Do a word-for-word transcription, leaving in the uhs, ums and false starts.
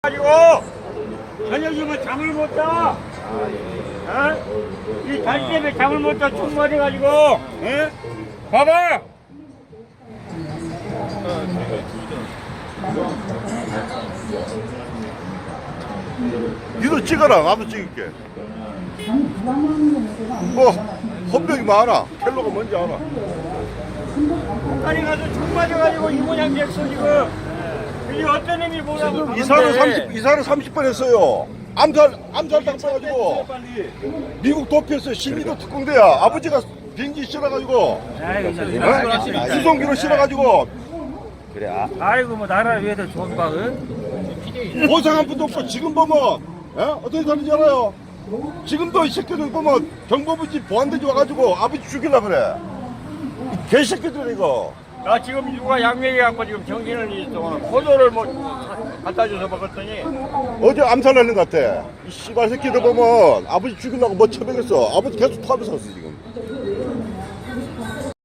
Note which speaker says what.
Speaker 1: 가지고 저녁이면 잠을 못 자. 어? 이 달 때문에 잠을 못 자. 충만해 가지고. 어? 봐봐.
Speaker 2: 니도 찍어라. 나도 찍을게. 뭐 헌병이 많아. 켈로가 뭔지 알아.
Speaker 1: 북한에 가서 총 맞아가지고 이 모양 됐어 지금. 이게 어떤 의미 뭐라고?
Speaker 2: 이사를 삼십 이사를 삼십 번 했어요. 암살 암살 당해가지고 미국 도피했어요. 신미도 특공대야. 아버지가 비행기 실어가지고 수송기로 실어가지고
Speaker 3: 그래. 아, 아이고 뭐 나라를 위해서 좋은 방은.
Speaker 2: 보상 한 푼도 없고 지금 보면 에? 어떻게 사는지 알아요? 지금도 이 새끼들 보면 정보부지 보안대지 와가지고 아버지 죽이려 그래. 이 개새끼들 이거.
Speaker 1: 나 지금 누가 양명해갖고 지금 정신을 잃었어. 포도를 뭐 갖다 줘서 먹었더니
Speaker 2: 어제 암살하는 것 같아. 이 씨발 새끼들 보면 아버지 죽이려고 뭐 처먹였어. 아버지 계속 토하면서 샀어 지금.